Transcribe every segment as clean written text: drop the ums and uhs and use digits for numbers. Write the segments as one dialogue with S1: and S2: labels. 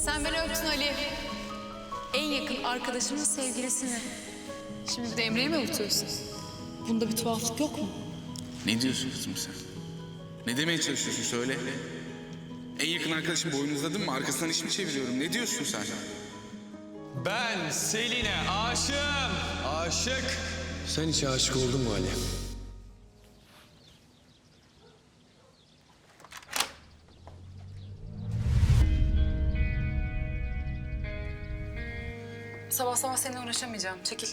S1: Sen beni öptün Ali. En yakın arkadaşımın sevgilisini. Şimdi de Emre'yi mi avutuyorsun? Bunda bir tuhaflık yok mu?
S2: Ne diyorsun kızım sen? Ne demeye çalışıyorsun söyle. En yakın arkadaşım boynuzladın mı? Arkasından iş mi çeviriyorum? Ne diyorsun sen?
S3: Ben Selin'e aşığım. Aşık.
S4: Sen hiç aşık oldun mu Ali?
S1: Sabah sabah seninle uğraşamayacağım. Çekil.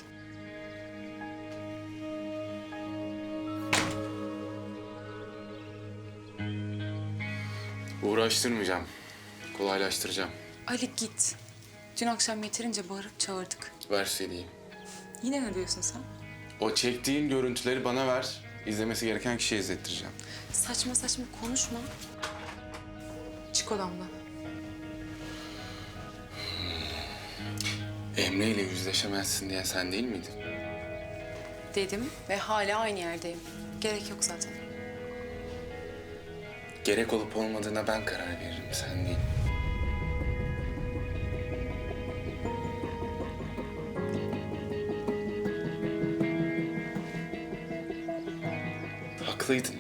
S2: Uğraştırmayacağım. Kolaylaştıracağım.
S1: Ali git. Dün akşam yeterince bağırıp çağırdık.
S2: Ver CD'yi.
S1: Yine ne diyorsun sen?
S2: O çektiğin görüntüleri bana ver. İzlemesi gereken kişiye izlettireceğim.
S1: Saçma saçma konuşma. Çık odamdan.
S2: Emre ile yüzleşemezsin diyen sen değil miydin?
S1: Dedim ve hala aynı yerdeyim. Gerek yok zaten.
S2: Gerek olup olmadığına ben karar veririm, sen değil. Haklıydın.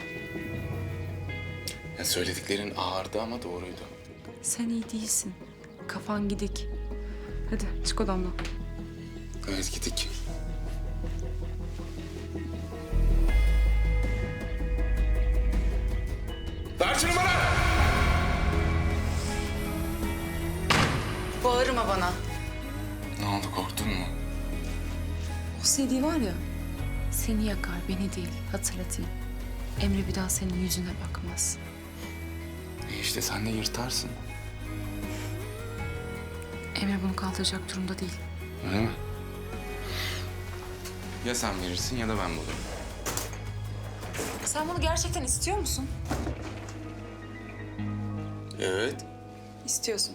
S2: Ya söylediklerin ağırdı ama doğruydu.
S1: Sen iyi değilsin. Kafan gidik. Hadi çık odamdan.
S2: Evet, gittik. Ver şunu bana!
S1: Bağırma bana.
S2: Ne oldu, korktun mu?
S1: O CD var ya, seni yakar, beni değil. Hatırlatayım. Emre bir daha senin yüzüne bakmaz.
S2: İşte sen de yırtarsın.
S1: Emre bunu kaldıracak durumda değil.
S2: Öyle mi? Ya sen verirsin ya da ben bulurum.
S1: Sen bunu gerçekten istiyor musun?
S2: Evet.
S1: İstiyorsun.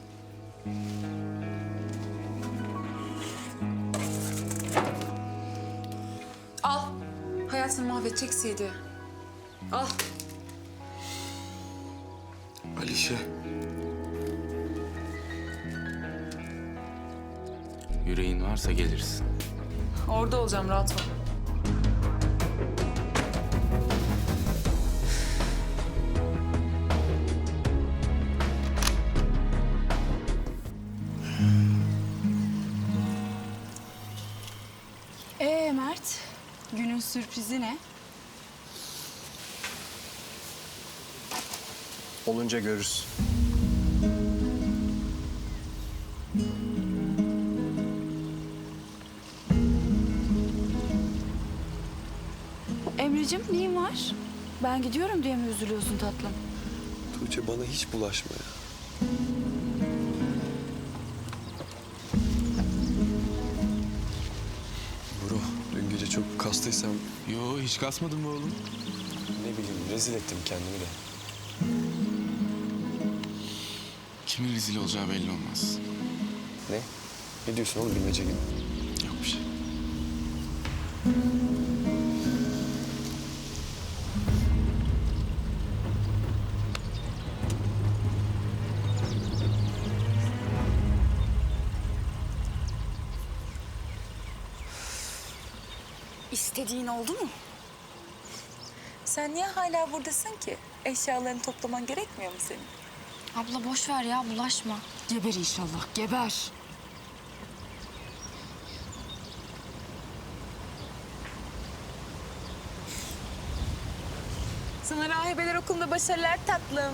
S1: Al. Hayatını mahvedecek CD. Al.
S2: Alişe. Yüreğin varsa gelirsin.
S1: Orada olacağım, rahat ol.
S5: Mert, günün sürprizi ne?
S4: Olunca görürüz.
S5: Emre'cim neyin var? Ben gidiyorum diye mi üzülüyorsun tatlım?
S4: Tuğçe bana hiç bulaşma ya. Bro, dün gece çok kastıysam
S2: Yo, hiç kasmadın mı oğlum?
S4: ne bileyim rezil ettim kendimi de.
S2: Kimin rezil olacağı belli olmaz.
S4: Ne? Ne diyorsun oğlum bilmece gibi?
S2: Yok bir şey.
S5: İstediğin oldu mu?
S1: Sen niye hala buradasın ki? Eşyalarını toplaman gerekmiyor mu senin?
S5: Abla boş ver ya, bulaşma. Geber inşallah, geber.
S1: Sana rahibeler okulunda başarılar tatlım.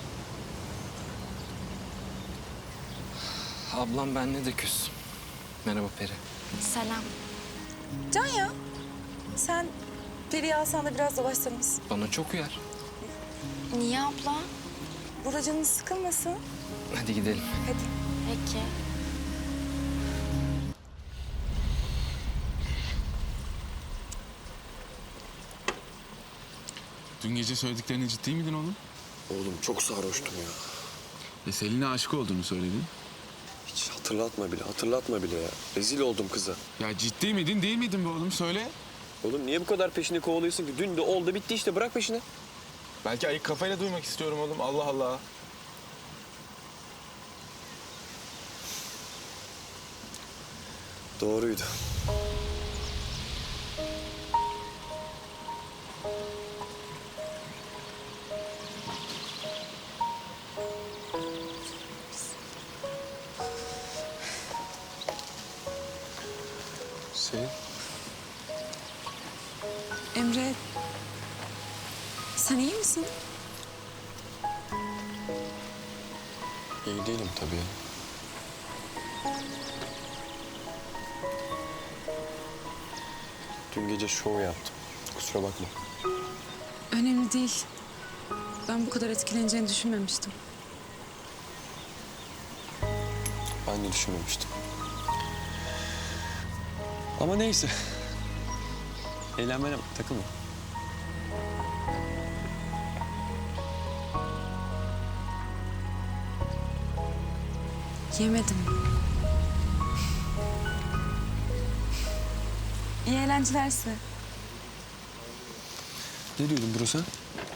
S6: Ablam benle de küs. Merhaba Peri.
S5: Selam.
S1: Can ya, sen Peri'yi alsan da biraz dolaşsanız mısın?
S6: Bana çok uyar.
S5: Niye abla?
S1: Burada canın sıkılmasın.
S6: Hadi gidelim.
S1: Hadi.
S5: Peki.
S2: Dün gece söylediklerine ciddi miydin oğlum?
S4: Oğlum çok sarhoştum ya.
S2: Selin'e aşık olduğunu söyledin.
S4: Hiç hatırlatma bile ya. Rezil oldum kıza.
S2: Ya ciddi miydin, değil miydin be oğlum? Söyle.
S4: Oğlum niye bu kadar peşini kovalıyorsun ki? Dün de oldu bitti işte, bırak peşini.
S7: Belki ayık kafayla duymak istiyorum oğlum. Allah Allah.
S4: Doğruydu. Selin,
S1: Emre, sen iyi misin?
S4: iyi değilim tabii. Dün gece şov yaptım. Kusura bakma.
S1: Önemli değil. Ben bu kadar etkileneceğini düşünmemiştim.
S4: Ben de düşünmemiştim. Ama neyse. Eğlenmene bak, takılma.
S1: Yemedim. İyi eğlenceler size.
S4: Ne diyordun bro sen?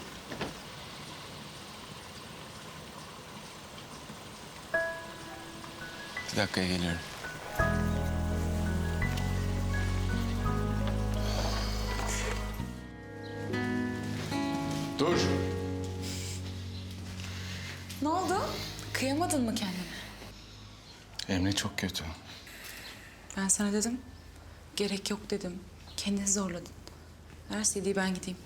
S2: Bir dakikaya geliyorum. Dur.
S1: Ne oldu? Kıyamadın mı kendine?
S2: Emre çok kötü.
S1: Ben sana dedim. Gerek yok dedim. Kendini zorladın. Ver CD'yi ben gideyim.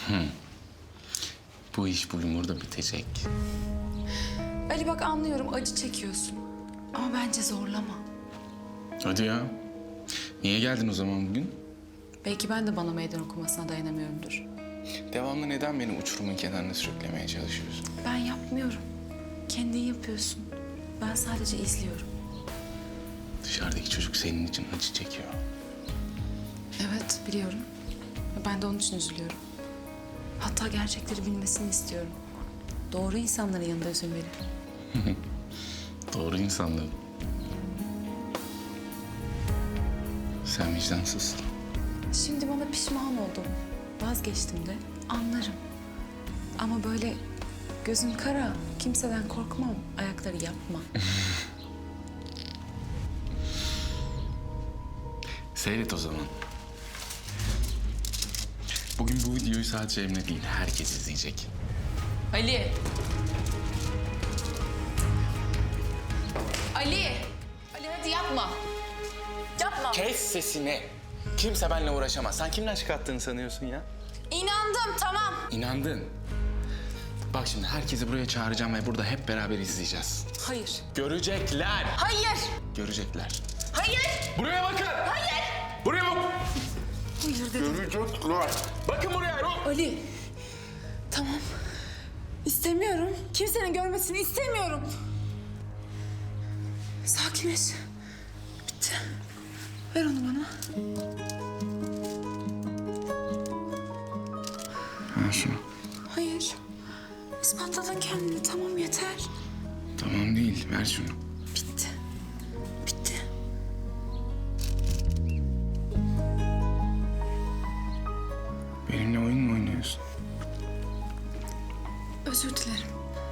S2: Bu iş bugün burada bitecek.
S1: Ali bak anlıyorum acı çekiyorsun. Ama bence zorlama.
S2: Hadi ya. Niye geldin o zaman bugün?
S1: Belki ben de bana meydan okumasına dayanamıyorumdur.
S2: Devamlı neden beni uçurumun kenarına sürüklemeye çalışıyorsun?
S1: Ben yapmıyorum. Kendin yapıyorsun. Ben sadece izliyorum.
S2: Dışarıdaki çocuk senin için acı çekiyor.
S1: Evet biliyorum. Ve ben de onun için üzülüyorum. Hatta gerçekleri bilmesini istiyorum. Doğru insanların yanında üzülmeli.
S2: Doğru insanlar. Sen vicdansızsın.
S1: Şimdi bana pişman oldum. Vazgeçtim de anlarım. Ama böyle gözün kara, kimseden korkmam, ayakları yapma.
S2: Seyret o zaman. Bugün bu videoyu sadece Emre değil, herkes izleyecek.
S1: Ali! Ali! Ali hadi yapma. Yapma.
S2: Kes sesini. Kimse benimle uğraşamaz. Sen kimden çıkarttığını sanıyorsun ya?
S1: İnandım tamam.
S2: İnandın. Bak şimdi herkesi buraya çağıracağım ve burada hep beraber izleyeceğiz.
S1: Hayır.
S2: Görecekler.
S1: Hayır.
S2: Görecekler.
S1: Hayır.
S2: Buraya bakın.
S1: Hayır.
S2: Buraya bak.
S1: Hayır dedim.
S2: Görecekler. Bakın buraya.
S1: Ali. Tamam. İstemiyorum. Kimsenin görmesini istemiyorum. Sakinleş. Bitti. Ver onu bana.
S2: Ver şunu.
S1: Hayır. İspatladın kendini. Tamam yeter.
S2: Tamam değil. Ver şunu.
S1: Bitti. Bitti.
S2: Benimle oyun mu oynuyorsun?
S1: Özür dilerim.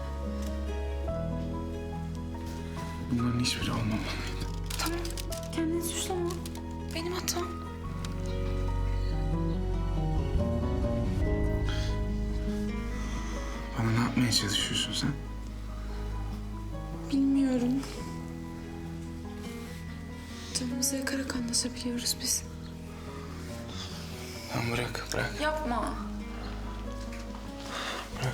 S2: Bunların hiçbiri olmamalıydı.
S1: Tamam. Kendini suçlama. Benim hatam.
S2: Bana ne yapmaya çalışıyorsun sen?
S1: Bilmiyorum. Canımızı yakarak anlaşabiliyoruz biz.
S2: Lan bırak, bırak,
S1: Yapma.
S2: bırak.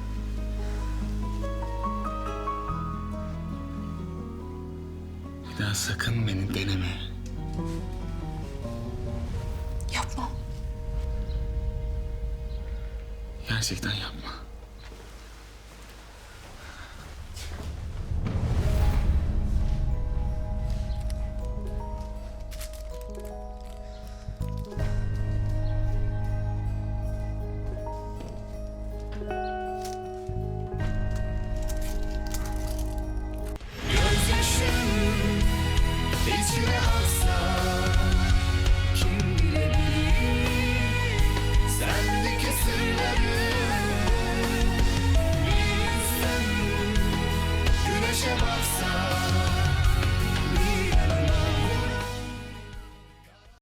S2: Bir daha sakın beni deneme.
S1: Yapma.
S2: Gerçekten yapma.